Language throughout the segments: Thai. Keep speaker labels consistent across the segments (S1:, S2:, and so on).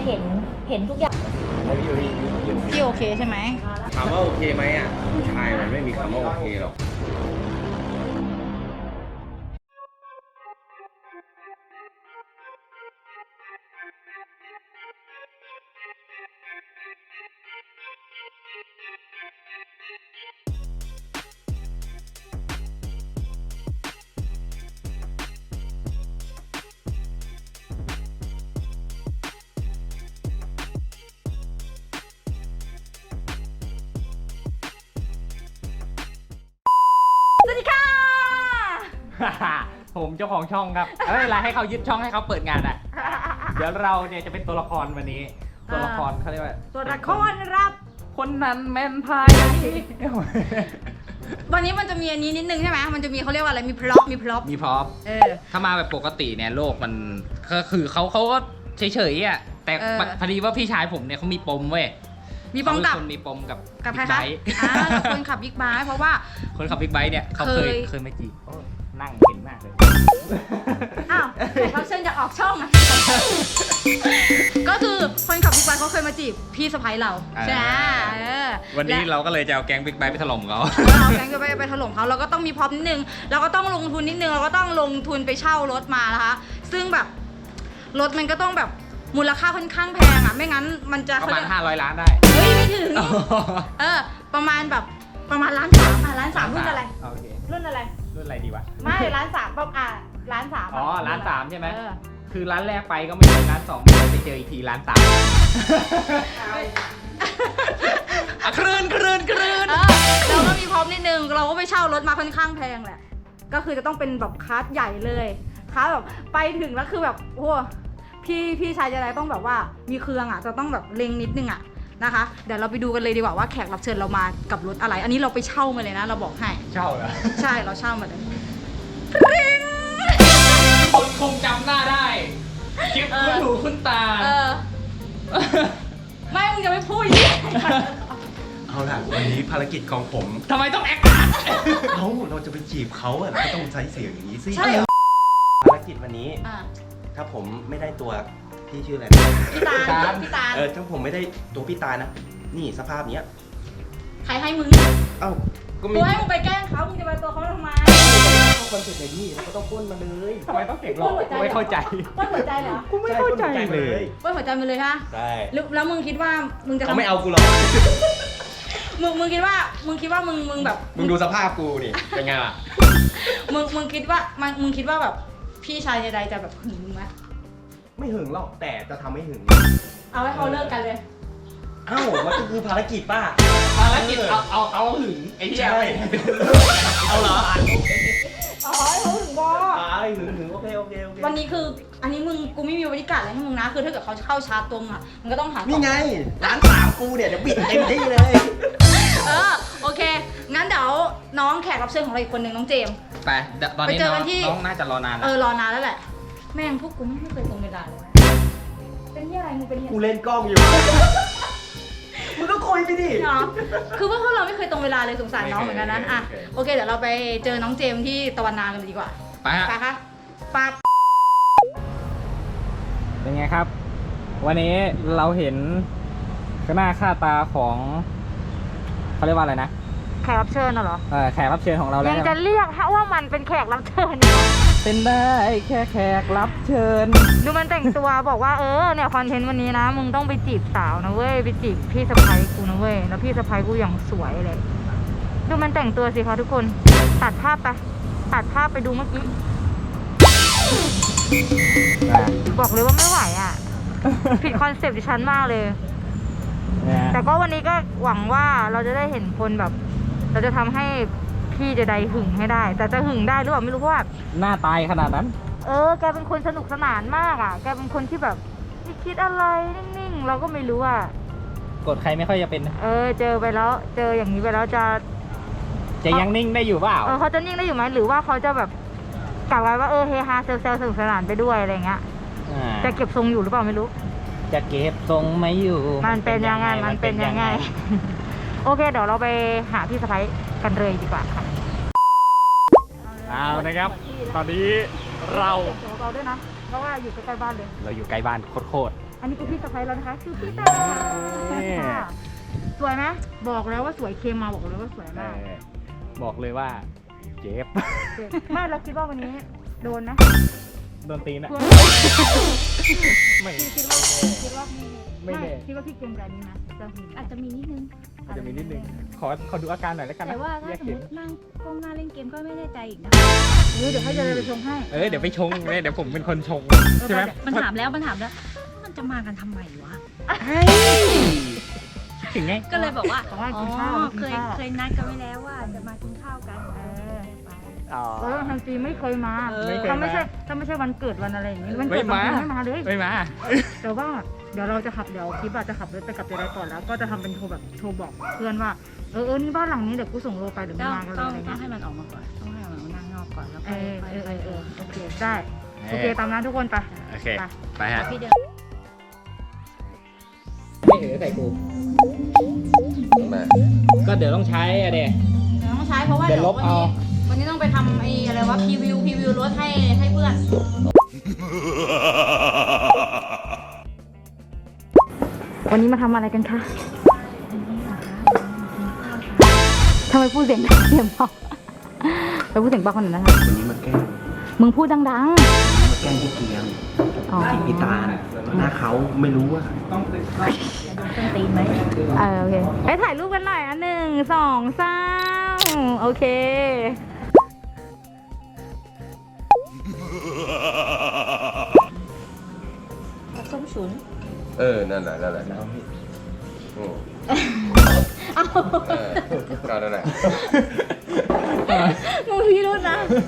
S1: เห็นทุกอย่างพี่โอเคใช่ไหม
S2: ถามว่าโอเคไหมอ่ะผู้ชายมันไม่มีคำว่าโอเคหรอก
S1: สวัสดีค่ะ
S3: ผมเจ้าของช่องครับไม่เป็นไรให้เขายึดช่องให้เขาเปิดงานอ่ะ เดี๋ยวเราเนี่ยจะเป็นตัวละครวันนี้ ตัวละครเขาเรียกว่า
S1: ตัวละครรับ
S3: คนนั้นแมนพาย
S1: วันนี้มันจะมีอันนี้นิดนึงใช่ไหมมันจะมีเขาเรียกว่าอะไรมีพร็อพ
S3: มีพร็อพถ้ามาแบบปกติเนี่ยโลกมันก็คือเขาก็เฉยๆอ่ะแต่พอดีว่าพี่ชายผมเนี่ยเขามีปมเว้ย
S1: มีปมกับ
S3: มีปมกับ
S1: ใครคะคนขับบิ๊กไบค์เพราะว่า
S3: คนขับบิ๊กไบค์เนี่ยเขาเคยไม่จีบนั่งเห็นมากเลย
S1: อ้าวเขาเชิญจะออกช่องอะก็คือคนขับบิ๊กไบค์เขาเคยมาจีบพี่สะใภ้เราใช่ไหม
S3: วันนี้เราก็เลยจะเอาแก๊งบิ๊กไบค์ไปถล่มเขา
S1: เอาแก๊งบิ๊กไบค์ไปถล่มเขาเราก็ต้องมีพร็อพนิดนึงเราก็ต้องลงทุนนิดนึงเราก็ต้องลงทุนไปเช่ารถมานะคะซึ่งแบบรถมันก็ต้องแบบมูลค่าค่อนข้างแพงอ่ะไม่งั้นมันจะ
S3: ประมาณ500 ล้านได้
S1: เฮ้ยไม่ถึงประมาณแบบประมาณ1.3 ล้าน1.3รุ่นอะไรรุ่นอะไรดีวะไม่1.3 ล้าน1.3
S3: อ๋อ1.3 ใช่ไหมคือร้านแรกไปก็ไม่ถึง1.2 ล้านไปเจออีกที1.3 ล้านคลื่น
S1: เราก็มีพร้อมนิดนึงเราก็ไปเช่ารถมาค่อนข้างแพงแหละก็คือจะต้องเป็นแบบคลาสใหญ่เลยคลาสแบบไปถึงแล้วคือแบบโอ้พี่ชายจะได้ต้องแบบว่ามีเครื่องอ่ะจะต้องแบบเล็งนิดนึงอ่ะนะคะเดี๋ยวเราไปดูกันเลยดีกว่าว่าแขกรับเชิญเรามากับรถอะไรอันนี้เราไปเช่ามาเลยนะเราบอกให้
S3: เช่าเหรอ
S1: ใช่เราเช่ามาเลย
S3: คนคงจำหน้าได้คลิปคุณหูคุณตา
S1: ไม่มึงจะไม่พูดอย่างนี้
S2: เอาล่ะวันนี้ภารกิจของผม
S3: ทำไมต้องแอค
S2: เราจะไปจีบเขาอ่ะเราก็ต้องใช้เสียงอย่างนี้สิ
S1: ใช่
S2: ภารกิจวันนี้ถ้าผมไม่ได้ตัวพี่ชื่ออะไร
S1: พี่ตา
S2: ถ้าผมไม่ได้ตัวพี่ตานะนี่สภาพเนี้ย
S1: ใครให้มึง
S2: เอ้าก็
S1: กูให้มึงไปแกล้งเขามึงจะไปตัวเขาทำไม
S2: เขาคนสุดในนี่เราก็ต้องพ้นมาเลย
S3: ทำไมต้องเก็บหรอไม่เข้าใจ
S1: ป้นหัวใจเหรอ
S3: กูไม่เข้าใจเลย
S1: ป้นหัวใจมาเลยฮะ
S2: ใช่
S1: แล้วมึงคิดว่ามึงจะ
S2: เขาไม่เอากูหรอก
S1: มึงคิดว่ามึงแบบ
S2: มึงดูสภาพกูนี่เป็นไงล่ะ
S1: มึงคิดว่าแบบพี่ชายใดๆจะแบบหึงมึงไหม
S2: ไม่หึงหรอกแต่จะทำให้หึง
S1: เอาให้เขาเลิกกันเลย
S2: เอ้ามันก็คือภารกิจป้า
S3: ภารกิจเอาหึงไอ้ที่อะไรเอาเหรอ
S1: อ๋อให้เขาหึงบอ
S2: หึงโอเค
S1: วันนี้คืออันนี้กูไม่มีบริการอะไรให้มึงนะคือถ้าเกิดเขาเข้าชาร์จตรงอ่ะมันก็ต้องหา
S2: นี่ไง1.3 กูเนี่ยเดี๋ยวบิดเต็มที่เลย
S1: โอเคงั้นเดี๋ยวน้องแขกรับเชิญของเราอีกคนหนึ่งน้องเจมส์
S3: ไปตอนนี้น้องน่าจะรอนานแล้ว
S1: รอนานแล้วแหละแม่งพวกกูไม่เคยตรงเวลาเลยเป็นที่อะไรมึงเป็น
S2: กูเล่นกล้องอยู่มึงก็คุยไปดิ
S1: คือพวกเราไม่เคยตรงเวลาเลยสงสารน้องเหมือนกันนะอ่ะโอเคเดี๋ยวเราไปเจอน้องเจมส์ที่ตะวันนากันดีกว่า
S3: ไปฮะ
S1: ไปค่ะปั๊บ
S3: เป็นไงครับวันนี้เราเห็นหน้าค่าตาของเขาเรียกว่าอะไรนะ
S1: แขกรับเชิญเหรอ
S3: แขกรับเชิญของเราแล้ว
S1: ยังจะเรียกว่ามันเป็นแขกรับเชิญ
S3: เป็นได้แค่แขกรับเชิญ
S1: ดูมันแต่งตัวบอกว่าเนี่ยคอนเทนต์วันนี้นะมึงต้องไปจีบสาวนะเว้ยไปจีบพี่สะใภ้กูนะเว้ยแล้วพี่สะใภ้กูอย่างสวยเลยดูมันแต่งตัวสิคะทุกคนตัดภาพไปดูเมื่อกี้บอกเลยว่าไม่ไหวอ่ะผิดคอนเซปต์ดิฉันมากเลยแต่ก็วันนี้ก็หวังว่าเราจะได้เห็นคนแบบเราจะทำให้พี่จะได้หึงให้ได้แต่จะหึงได้หรือเปล่าไม่รู้เพราะว่า
S3: หน้าตายขนาดนั้น
S1: แกเป็นคนสนุกสนานมากอ่ะแกเป็นคนที่แบบไม่คิดอะไรนิ่งๆเราก็ไม่รู้อ่ะ
S3: กดใครไม่ค่อยจะเป็น
S1: เจอไปแล้วเจออย่างนี้ไปแล้วจะ
S3: ยังนิ่งได้อยู่เปล่า
S1: เขาจะนิ่งได้อยู่ไหมหรือว่าเขาจะแบบกลับไว้ว่าเฮฮาเซลสนุกสนานไปด้วยอะไรเงี้ยจะเก็บทรงอยู่หรือเปล่าไม่รู้
S3: จะเก็บทรงไม่อยู่
S1: มันเป็นยังไงโอเคเดี๋ยวเราไปหาพี่สะใภ้กันเลยดีกว่าค่ะ
S3: เอานะครับตอนนี้เรา
S1: ด้วยนะเพราะว่าอยู่ใกล้บ้านเลย
S3: เราอยู่ใกล้บ้านโคตร
S1: อันนี้คือพี่สะพ้ายแล้วนะคะคือพี่ตาค่ะสวยไหมบอกแล้วว่าสวยเคมาบอกเลยว่าสวยมาก
S3: บอกเลยว่าเจ็บ
S1: ไม่เราคิดว่าวันนี้โดนนะ
S3: โดนตีนอะไม่
S1: คิดว่าพี่
S3: ไม่แน่
S1: คิดว่าพี่เก่งแบบนี้นะจะมี
S4: อาจจะมีนิดนึง
S3: จะมีนิดนึงขอดูอาการหน่อยแล้วกันนะ
S4: แต่ว่าถ้า
S3: แยก
S4: สม
S3: เข็
S4: ม
S3: ม
S4: ตินั่งก้มหน้าเล่นเกมก็ไม่แน่ใจอีกนะ
S1: เดี๋ยวให้เดินไปชงให้
S3: เดี๋ยวไปชงเลยเดี๋ยวผมเป็นคนชงใช่ไหม
S4: มันถามแล้ว มันจะมากันทำไมวะ
S3: ถึงไง
S4: ก็เลยบอกว่า
S1: ขอให้
S4: อ๋
S1: กินข้าว
S4: อ
S1: กิน
S4: เคย
S1: ข้าว
S4: เคยนัดกันไว้แล้วว่าจะมากินข้าวกัน
S3: อ๋อ
S1: แล้วทันทีไม่เคยมา
S3: ไม่เคยมา
S1: ถ้าไม่ใช่วันเกิดวันอะไรอย่างนี้วัน
S3: ไม่
S1: เกิดบาง
S3: มา
S1: ทีไม่มาเลย
S3: ไม่มา
S1: แต่ว่าเดี๋ยวเราจะขับเดี๋ยวคลิปอาจจะขับรถไปกับเจไดก่อนแล้วก็จะทำเป็นโทรบอกเพื่อนว่านี่บ้านหลังนี้เดี๋ยวกูส่งโลไปหรือไม่
S4: ต้อง
S1: มากันเล
S4: ต้
S1: ย
S4: อง
S1: อะไร
S4: ต้อ
S1: เงี้
S4: ง
S1: ย
S4: ให้มันออกมาก่อน ต้องให้มันนั่งนอกก่อนแล้ว
S1: เอ
S4: ค่อย
S1: อโอเคได้โอเคตามนั้นทุกคนไป
S3: โอเค
S1: ไป
S3: ไปฮะ
S4: พี่เดิน
S3: ไม่ใส่กู
S2: มา
S3: ก็เดี๋ยวต้องใช้อะเด็
S1: ต้องใช้เพราะว่า
S3: เดี๋ยวลบเอา
S1: วันนี้ต้องไปทำไอ้อะไรวะพรีวิวรถให้เพื่อนวันนี้มาทำอะไรกันคะทำไมพูดเสียงดังเสียงเบาไปพูดเสียงเบาคนนั้นนะคะ
S2: วันนี้มาแกล้ง
S1: มึงพูดดัง
S2: มาแกล้งพี่เกียง
S1: ๆอ๋อ
S2: พี่ตาลหน้าเขาไม่รู้ว่า
S4: ต้นตีนไหม
S1: โอเคไปถ่ายรูปกันหน่อยอ่ะ1 2 3โอเค
S4: ส้มฉุน
S2: นั่นแหละแล้วพี่โอ้
S1: เอา
S2: ก็นั่นแหละ
S1: มึงพี่รุ่นนะ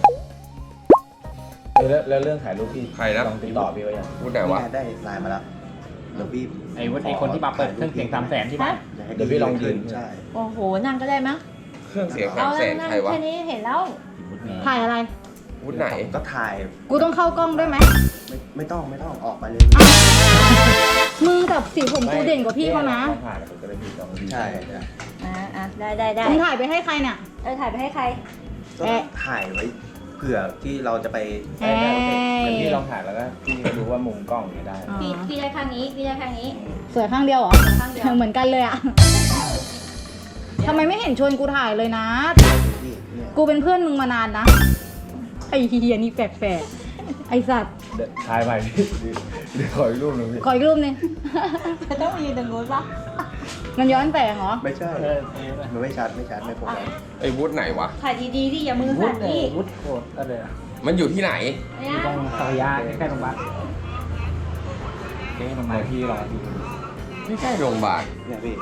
S5: แล้วเรื่องถ่ายรูปพี่
S2: ใครนะ
S5: ลองติดต่อพี่ไว้ยัง
S2: พูดไหนวะ
S5: ได้ไลน์มาแล้วเดี๋ยวพี่
S3: ไอ้คนที่มาเปิดเครื่องเสียง300,000ใช่ไหม
S5: เดี๋ยวพี่ลองยืน
S2: ใช่
S4: โอ้โห นั่งก็ได้มั้ง
S2: เครื่องเสียง
S4: เอา
S2: 300,000
S4: นั่ง
S2: ใครวะ
S4: แค่นี้เห็นแล้ว
S1: ถ่ายอะไร
S2: พูดไหน
S5: ก็ถ่าย
S1: กูต้องเข้ากล้องด้วยไหม
S5: ไม่ต้องออกมาเลย
S1: มึงกับสีผมกูเด่นกว่าพี่เขานะ
S5: ถ่ายผมก็เลยพี่ลองใช่
S4: ได้
S1: มึงถ่ายไปให้ใครเนี่ย
S4: ถ่ายไปให้ใคร
S5: ก็ถ่ายไว้เผื่อที่เราจะไป
S1: เอ้ย
S5: เหมือนพี่ลองถ่ายแล้วก็พี่รู้ว่ามุมกล้องอย่างนี้ได้
S4: พี่ได้ข้างนี้ พี่ได้ข้างนี้
S1: สวยข้างเดียวเหรอ
S4: ข้างเดียว
S1: เหมือนกันเลยอะทำไมไม่เห็นชวนกูถ่ายเลยนะ
S5: พี่เนี่ย
S1: กูเป็นเพื่อนมึงมานานนะ ไอ้เฮียนี่แปลกๆไอ้สัตว์
S5: ถ่ายใหม่พี่เดี๋ยวขออีกรูปหนึงพี่
S1: ขออีกรูปหนึง
S4: ต้องมีตรงนู้นปะ
S1: มันย้อนแสงเหรอ
S5: ไม่ใช่มันไม่ชัดไม่โฟกัส
S2: ไอ้วุฒิไหนวะ
S4: ถ่ายดีๆดิอย่ามือสั่นดิ
S5: วุฒิโคตรอะไรอะ
S2: มันอยู่ที่ไหน
S4: เนี่ย
S3: ตรงสารยาใกล้ๆโรงพยาบาลใกล้ๆโรงพยาบาล
S5: พี่ลองพี่
S2: ไม่ใช่โรงพยาบาล
S5: เนี่ยพี่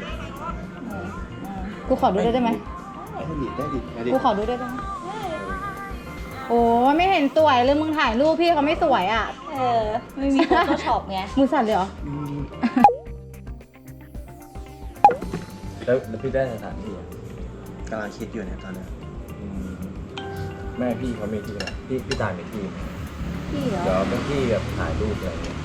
S1: กูขอดูได้ไหม
S5: ได้ดิ
S1: กูขอดูได้ไหมโอ้ยไม่เห็นสวยเลยมึงถ่ายรูปพี่เขาไม่สวยอ่ะ
S4: ไม่มี Photoshop ไง
S1: มือสั่นเลยเหรอ
S5: แล้วพี่ได้สถานที่กำลังคิดอยู่เนี่ยตอนนี้แม่พี่เขามีที่ไหนพี่ตายมีที่
S4: พี่เหรอ
S5: เดี๋ยวเป็นที่แบบถ่ายรูปอะไรเงี้ย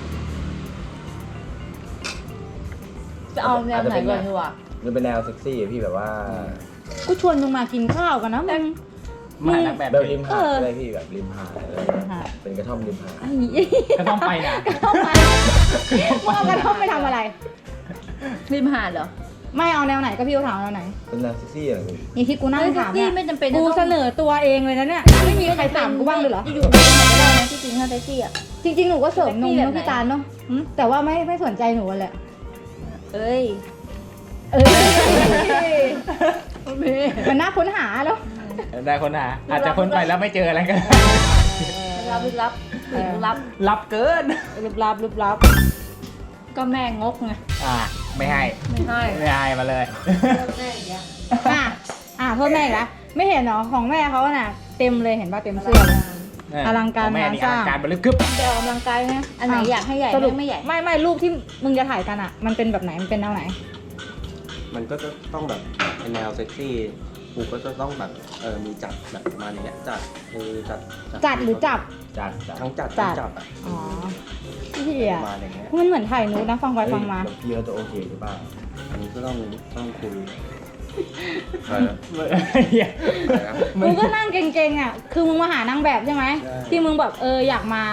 S4: จะเอาแนวไหนก่อนดีวะ
S5: มันเป็นแนวเซ็กซี่อะพี่แบบว่า
S1: กูชวนมึงมากินข้าวกันนะมึง
S3: มานักแบบ
S5: แบบริมหาด
S1: เอออ
S5: อะไรพี่แบบริมหาดอะไร
S1: ริมหาด
S5: เป็นกระท่อมริมหาด
S1: ไอ้
S3: ก็ต้องไปนะ
S1: กระท่อมไปมึงเอากระท่อมไปทำอะไร
S4: ริมหาดเหรอ
S1: ไม่เอาแนวไหนก็พี่เขาถามแนวไหน
S5: เป็นแนวเซ็กซี่อะไรพี่
S1: อย่างที่กูนั่งถาม
S4: ที่
S1: เนี่ย
S4: ไม่จำเป็น
S1: กูเสนอตัวเองเลยนะเนี่ย ไม่มีใครถามกูบ้างเลยเหรอ
S4: อยู่ๆไปไหนก็ได้นะที่จริงถ้าแท็กซี่อ่ะ
S1: จริงๆ หนูก็เสริมนม
S4: แบบไหน
S1: เนาะพี่ตาลเนาะแต่ว่าไม่สนใจหนูแหละ
S4: เอ้ย
S1: มันน่าค้นหาแล้ว
S3: ได้คนหาอาจจะคนไปแล้วไม่เจออะไรกัน
S4: รับลึกลับลึกลับ
S3: รับเกิน
S1: ลึกลับลึกลับ
S4: ก็แม่งกไง
S3: ไม่ให้
S4: ไม่ให้
S3: ไม่ให้มาเลย
S4: แม่อย่างเงี้ย
S1: โทษแม่อีกแล้วไม่เห็นเหรอของแม่เขาน่ะเต็มเลยเห็นป่ะเต็มเสื้อเลย อลังการ
S3: แม่นี่
S1: งานสร้าง
S3: อลังการบริกึบ
S4: จะออกกำลังกายนะอันไหนอยากให้ใหญ่
S1: สรุป
S4: ไม่ใหญ่
S1: ไม่รูปที่มึงจะถ่ายกันอ่ะ มันเป็นแบบไหนมันเป็นแนวไหน
S5: มันก็จะต้องแบบเป็นแนวเซ็กซี่กูก็จะต้องแบบมีจัดแบบประมาณเนี้ยจัด
S1: จัดหรือจับ
S5: จัดทั้งจัด
S1: จั
S5: ทั้
S1: ด
S5: งจับอะ
S1: อ๋อพี่เหี้ย
S5: ประมาณอย่างเงี้ย
S1: มันเหมือนถ่ายนูดนะฟังไปฟังมา
S5: เยอะจะโอเคหรือเปล่าอันนี้ก็ต้องคุย
S2: อะไรนะ
S1: กูก็นั่งเก่งๆอ่ะคือมึงมาหานางแบบใช่ไหม
S5: ใช่
S1: ที่มึงแบบอยากมา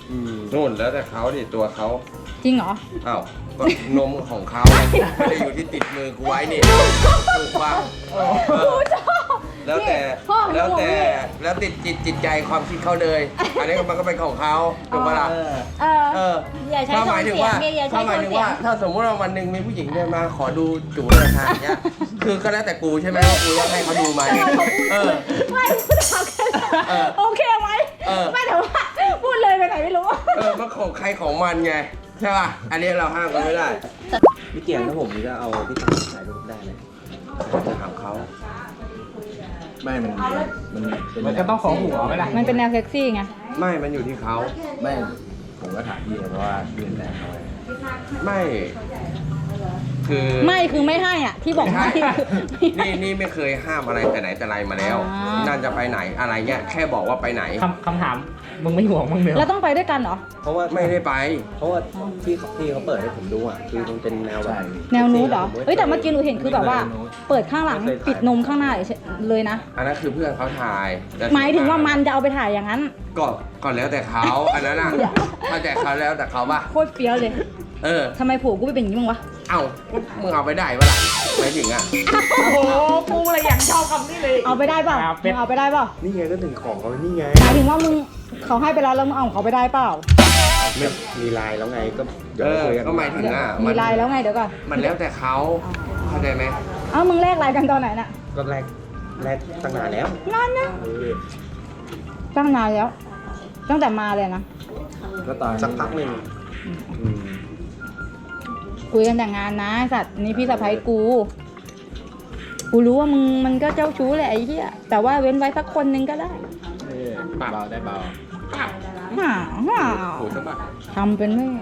S5: นู่นแล้วแต่เขาดิตัวเขา
S1: จริงเหรอ
S5: อ้าวก็นมของเขาไม่ได้อยู่ที่ติดมือกูไว้นี่ถูกป่ะแล้วแต่
S1: พ่อหนู
S5: แล้วแต่
S1: ห่วงพี่
S5: แล้วติดจิตใจความคิดเขาเลย อันนี้มันก็เป็นของเขาถูกปะล่ะ
S1: เออ
S4: อย่าใช้
S5: ถ้า
S4: โท
S5: หมาย
S4: น
S5: ถึง
S4: เสีย
S5: ว่าง
S4: เนี่ยอย่าใช้
S5: ถ้าห
S4: โท
S5: มาย
S4: น
S5: ถึง
S4: เสีย
S5: ว่าง ถ้าสมมติว่าวันหนึ่งมีผู้หญิงเดินมาขอดูจูเลยค่ะอย่างเงี้ยคือก็แล้วแต่กูใช่ไหมว่ากูจะให้เขาดูไหมเออ
S1: ไม่พูดถามแค่
S5: เออ
S1: โอเคไหม
S5: เออ
S1: ไม่แต่ว่าพูดเลยไปไหนไม่รู้
S5: มันของใครของมันไงใช่ป่ะอันนี้เราห้ามกันไม่ได้
S2: พี่เกียงถ้าผมนี่ก็เอาพี่ชายถ่ายรูปได้เลย
S5: จะถามเขา
S2: ไม่มันเป็น
S3: มันก็ต้องขอหัวไหมล่ะ
S1: มันเป็นแนวเซ็กซี่ไง
S5: ไม่มันอยู่ที่เขา
S2: ไม่ผมก็ถามพี่เพราะว่าพี่เป็นแฟนเขาไง
S5: ไม่ คือ
S1: ไม่คือไม่ให้อ่ะ ที่บอกไม่คือไม่ให้
S5: นี่ไม่เคยห้ามอะไรแต่ไหนแต่ไรมาแล้ว
S1: อ่า
S5: นั่นจะไปไหนอะไรเงี้ยแค่บอกว่าไปไหน
S3: คำถาม มึงไม่ห่วงมึงเดียว
S1: แล้วต้องไปด้วยกันเหรอ
S2: เพราะว่า
S5: ไม่ได้ไป
S2: เพราะว่าที่เขาเปิดให้ผมดูอ่ะคือมันเป็นแนวแบบ
S1: แนวนูดเหรอเอ้ยแต่เมื่อกี้หนูเห็นคือแบบว่า เปิดข้างหลังปิดนมข้างหน้าเลยนะ
S5: อันนั้นคือเพื่อนเขาถ่ายแต่
S1: หมายถึงว่ามันจะเอาไปถ่ายอย่างนั้น
S5: ก็แล้วแต่เขาอันนั้นอ่ะ
S1: เดี๋ยว
S5: ถ้าแต่เขาแล้วแต่เขาป่ะ
S1: โคตรเฟี้ยวเลย
S5: เออ
S1: ทำไมผัวกูไม่เป็นอย่างนี้มั้งวะ
S5: เอ้ามึงเอาไปได้ปะล่ะหมายถึงอ่ะ
S3: โอ้โหกูเลยอยากชอบคำนี้เลย
S1: เอาไปได้เปล่า
S3: ครับเป็
S1: มึ
S3: น
S1: งเอาไปได้เปล่า
S2: นี่ไงก็ถึงของเขานี่ไง
S1: หมายถึงว่ามึงเขาให้ไปแล้วแล้วมึงเอาของเขาไปได้เปล่า
S2: ไม่มีไลน์แล้วไงก็เดี๋ยว
S5: เออ
S2: คุยกัน
S5: ก็หมายถึงอ่ะ
S1: มีไลน์แล้วไงเดี๋ยวก่อน
S5: มันแล้วแต่เขาเข้าใจไหม
S1: เอ้ามึงแลกไลน์กันตอนไหนน่ะ
S2: ก็แรกตั้งนานแล้ว
S1: นานนะ
S2: เออ
S1: ตั้งนานแล้ว ตั้งแต่มาเลยนะ
S2: ก็ตอนสักพักหนึ่งอืม
S1: คุยกันแต่งงานนะไอ้สัตว์นี่พี่สะพ้ายกู กูรู้ว่ามึงมันก็เจ้าชู้แหละไอ้เหี้ยแต่ว่าเว้นไว้สักคนนึงก็ได้
S2: เบาได้เบา
S1: ห่าห่า
S5: ถูกใช่ปะ
S1: ทำเป็นไม่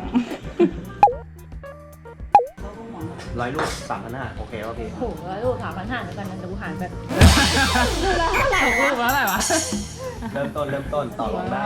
S2: 100 ลูก3,500โอเคป่ะพี่
S4: โอ้โหลูกถามพันห้าเหมือนกันนะแต่กูหารแบบ
S1: ดูแล้วเท่าไหร่
S3: กูแล้วอะไรวะ
S2: เริ่มต้นต่อรองได้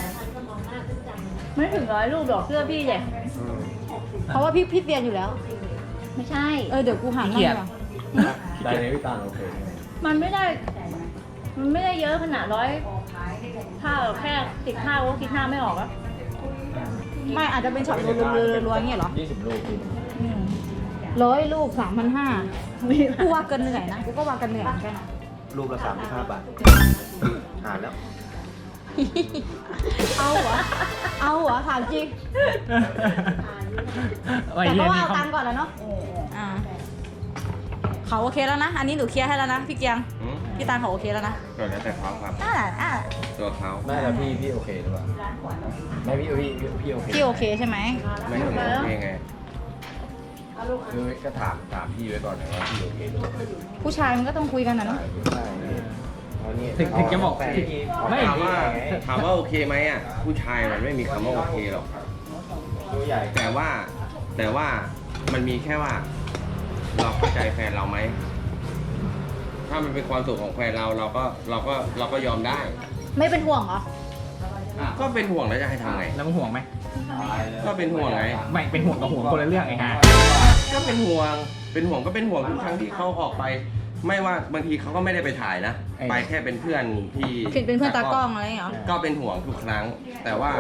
S4: ไม่ถึง100 ลูกดอกเสื้อพี่เลย
S1: เพราะว่าพี่เตียนอยู่แล้ว
S4: ไม่ใช่
S1: เดี๋ยวกูหารให้ดีกว่า
S2: ได้เลยพี่ตาลโอเค
S4: มันไม่ได้เยอะขนาดถ้าแค่15ก็คิด5ไม่ออกอะ
S1: ไม่อาจจะเป็นช็อตรัวๆๆๆอย่างเงี้ยเหรอ
S2: 20 ลูกพี่
S1: 100 ลูก 3,500กูว่าเกินเหนื่อยนะกูก็ว่ากันเหนื่อยเหมือนกัน
S2: ลูกละ35 บาทหารแล้ว
S1: เอาเหรอถามจริง
S3: ไอ้
S1: แต่
S3: เหี้
S1: ก็
S3: ย
S1: ว่า
S3: นี่
S1: เอา
S3: เขา
S1: ตังค์ก่อนแล้วเนาะเขาโอเคแล้วนะ อันนี้หนูเคลียร์ให้แล้วนะพี่เกียง
S5: อืม
S1: พี่ตาลเขาโอเคแล้วนะ
S5: ก็แล้วแต่เขาครับ
S1: อ่า
S5: ตัวเขา
S2: ไม่แล้วพี่โอเคหรือเปล่าไม่พี่โอเค
S1: พี่โอเคใช่ไหม
S5: ไม่ถึงโอเคไงคือก็ถามพี่ไว้ก่อนนะว่าพี่โอเคหรือเปล่า
S1: ผู้ชายมันก็ต้องคุยกันนะเนาะ
S2: ใช่เพราะนี่
S3: ถึงจะบอกไม่
S5: ถามว่าโอเคไหมอ่ะผู้ชายมันไม่มีคำว่าโอเคหรอก
S2: ตัวใหญ่
S5: แต่ว่ามันมีแค่ว่า เราเข้าใจแฟนเราไหมถ้ามันเป็นความสุขของแฟนเราก็ยอมได้
S1: ไม่เป็นห่วงเหรอ
S5: ก็เป็นห่วงแล้วจะให้ทำไง
S3: แล้วมึงห่วงไหม
S5: ก็เป็นห่วงไง
S3: ไม่เป็นห่วงกับห่วงคนละเรื่องไอ้ห่า
S5: ก็เป็นห่วงก็เป็นห่วงทุกครั้งที่เขาออกไป ไม่ว่าบางทีเขาก็ไม่ได้ไปถ่ายนะ ไปแค่เป็นเพื่อนที่
S1: เป็นเพื่อนตากล้องอะไรอย่างเงี้ยเหรอ
S5: ก็เป็นห่วงทุกครั้ง แต่ว่า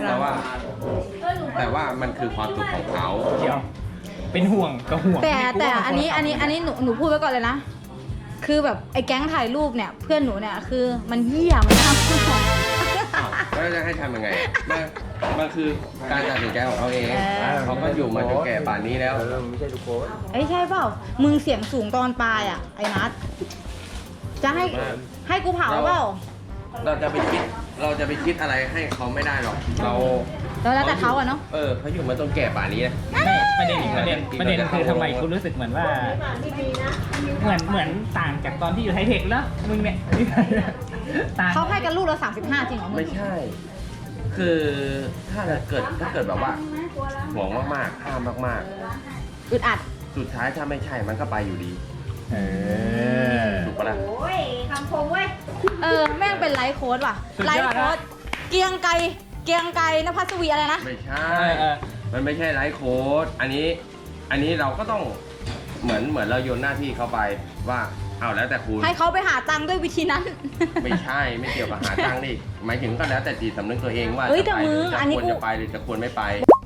S5: มันคือความสุขของเขา
S3: เดี๋ยว เป็นห่วงกับห่วง
S1: แต่อันนี้หนูพูดไว้ก่อนเลยนะ คือแบบไอ้แก๊งถ่ายรูปเนี่ยเพื่อนหนูเนี่ยคือมันเหี้ยมันทำ
S5: แล้วจะให้ทำยังไงมันคือการตัดสินใจของเขาเองเขาก็อยู่มาจนแก่ป่านนี้แล้ว
S2: ไม่ใช่ทุกคน
S1: ไอ้ใช่เปล่า มึงเสียงสูงตอนปลายอ่ะไอ้นัทจะให้กูเผาเปล่า
S5: เราจะไปคิดอะไรให้เขาไม่ได้หรอก
S1: แล้วแต่เขาอะเนาะ
S5: เขาอยู่มาจนแก่ป่านนี้นะ
S3: ประเด็นคือทำไมกูรู้สึกเหมือนว่า เหมือนต่างจากตอนที่อยู่ไทเทคแล้วมึงเนี่ยต่าง
S1: เขาให้กันลูกละ35จริงเหรอมึง
S5: ไม่ใช่ คือถ้าเกิดแบบว่าห่วงมากๆห้ามมาก
S1: อึดอัด
S5: ๆ สุดท้ายถ้าไม่ใช่มันก็ไปอยู่ดี
S3: เออ
S5: ถูกปะล่ะ
S1: แม่งเป็นไลฟ์โค้ดว่ะ
S3: สุด
S1: ไล
S3: ยอด
S1: ฟ์โค้ด
S3: นะ
S1: เกรียงไกรนภัสวีอะไรนะ
S5: ไม่ใช่
S3: เออ
S5: มันไม่ใช่ไลฟ์โค้ดอันนี้เราก็ต้องเหมือนเราโยนหน้าที่เขาไปว่าเอาแล้วแต่คุณ
S1: ให้เขาไปหาตังค์ด้วยวิธีนั้น
S5: ไม่ใช่ไม่เกี่ยวกับหาตังค์ดิหมายถึงก็แล้วแต่จิตสำนึกตัวเองว่า
S1: เฮ้ย
S5: จะ
S1: แต่
S5: ไป
S1: มึ
S5: หรื
S1: ง
S5: จะ
S1: อันนี้
S5: ควร
S1: กู
S5: จะไปหรือจะควรไม่ไป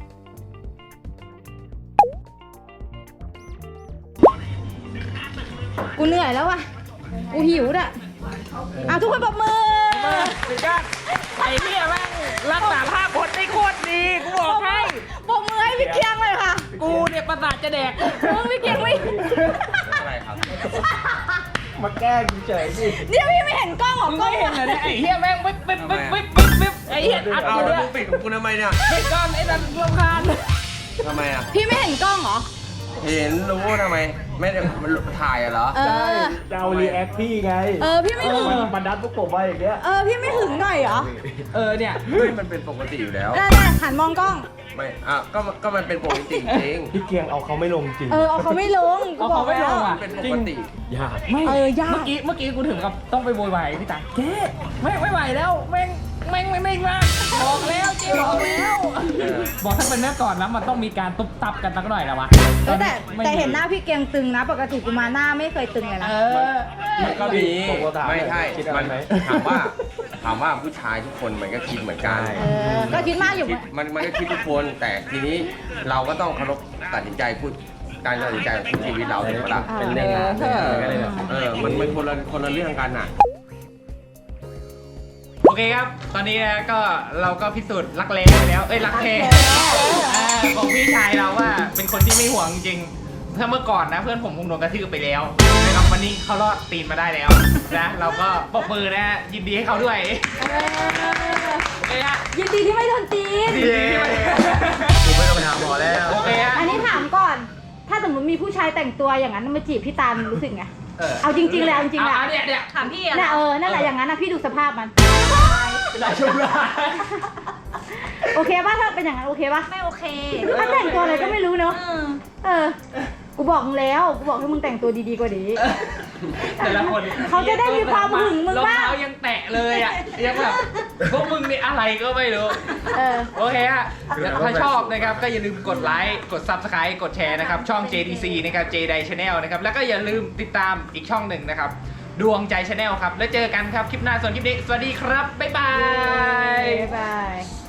S1: กูเหนื่อยแล้วว่ะ กูหิวอ่ะทุกคนปรบมือ
S3: สุดยอดไอ้เนี่ยแม่งรักษาภาพพจน์ได้โคตรดีกูบอกให้
S1: ปรบมือให้พี่เกียงเลยค่ะ
S3: กูเนี่ยประสาทจะแดก
S1: มึงพี่เกียงไม่
S5: อะไรครับ
S2: มาแกล้งเฉยสิ
S1: เนี่ยพี่ไม่เห็นกล้องเหรอ
S3: มึง
S1: กล้อ
S3: ไม่
S1: ง
S3: เห็นเหรอเนี่ยไอ้เหี้ยแม่งวิบวิบวิบวิบวิบวิบไอ้เหี้ยอัด
S5: เอา
S3: อยู่
S5: แล้ว
S3: เนี่ย
S5: มึงปิดของกูทำไมเนี่ย
S3: ปิดก้อนไอ้นั่นรำคาญ
S5: ทำไมอ่ะ
S1: พี่ไม่เห็นกล้องเหรอ
S5: เห็นรู้ทำไม ไม่ได้ถ่ายอะเหรอ
S1: เออ
S2: จะเอารีแอคพี่ไง
S1: พี่ไม่ถึง
S2: มันดันพวกผมไปอย่างเงี้ย
S1: พี่ไม่ถึงหน่อยเหรอ
S3: เนี่ย
S5: เฮ้ยมันเป็นปกติอยู่แล้ว
S1: ได้หันมองกล้อง
S5: ไม่ก็มันเป็นปกติจริง
S2: พี่เกียงเอาเขาไม่ลงจริง
S1: เอาเขาไม่ลงกู
S3: เอา
S1: บอ
S3: เขา
S1: ก
S3: ไม่ล
S1: แล้ว
S3: งอ่ะ
S5: เป็นป
S3: จริ
S5: ก
S3: ง
S5: ติ
S2: ยาก
S3: ไม่
S1: ยาก
S3: เมื่อกี้กูถึงกับต้องไปโวยวายพี่ตังแกไม่ไหวแล้วแม่งไม่มากบอกแล้วเจ๊บอกแล้ว บอกถ้าเป็นเมื่อก่อนนะมันต้องมีการตุ๊บตับกันสักหน่อยแล้ววะ
S1: แต่เห็นหน้าพี่เกียงตึงนะ ปกติกูมาหน้าไม่เคยตึงเลยนะ
S5: มันก็มี
S2: ผมก็ถาม
S5: ไม่ใช่
S2: คิดอะไร
S5: มัน
S2: ไหม
S5: ถามว่าผู้ชายทุกคนมันก็คิดเหมือนกัน
S1: ก็คิดมากอยู่
S5: คิดมันก็คิดทุกคน แต่ทีนี้เราก็ต้องเคารพตัดสินใจพูดการตัดสินใจของชีวิตเราถูกปะล่ะ
S2: เป็นเรื่องงานก็เลยแบบ
S5: มันคนละเรื่องกันอ่ะ
S3: โอเคครับ ตอนนี้นะก็เราก็พิสูจน์รักแร้ไปแล้ว รักแท้ของพี่ชายเราว่าเป็นคนที่ไม่ห่วงจริง ถ้าเมื่อก่อนนะเพื่อนผมคงโดนกระทืบไปแล้วนะครับวันนี้เขารอดตีนมาได้แล้วนะเราก็ปรบมือนะฮะยินดีให้เขาด้วยโอเคฮะ
S1: ยินดีที่ไม่โดนตีน
S3: ยินดีที่ไม่
S2: กูไม่ต้องไปหาหมอแล้ว
S3: โอเคฮะ
S1: อันนี้ถามก่อน ถ้าสมมติมีผู้ชายแต่งตัวอย่างนั้นมาจีบพี่ตาลรู้สึกไง เอาจริงๆเลยเอาจริงๆแหละ
S3: เนี่ย
S4: ถามพี่อะ
S1: น่ะนั่นแหละอย่างนั้นนะพี่ดูสภาพมัน
S3: ได้ชุบได้
S1: โอเคป่ะถ้าเป็นอย่างนั้นโอเคป่ะ
S4: ไม่โอเค
S1: ถ้าแต่งตัวอะไรก็ไม่รู้เนอะกูบอกมึงแล้ว กูบอกให้มึงแต่งตัวดีๆกว่านี้
S3: แต่ละคน
S1: เขาจะได้มีความหึงมึงบ้าง
S3: รองเท้ายังแตะเลยอ่ะยังแบบพวกมึงนี่อะไรก็ไม่รู้ โอเคฮะถ้าชอบนะครับก็อย่าลืมกดไลค์กด Subscribe กดแชร์นะครับช่อง JDC นะครับ JDI Channel นะครับแล้วก็อย่าลืมติดตามอีกช่องหนึ่งนะครับดวงใจ Channel ครับแล้วเจอกันครับคลิปหน้าส่วนคลิปนี้สวัสดีครับบ๊ายบาย
S1: บ๊ายบาย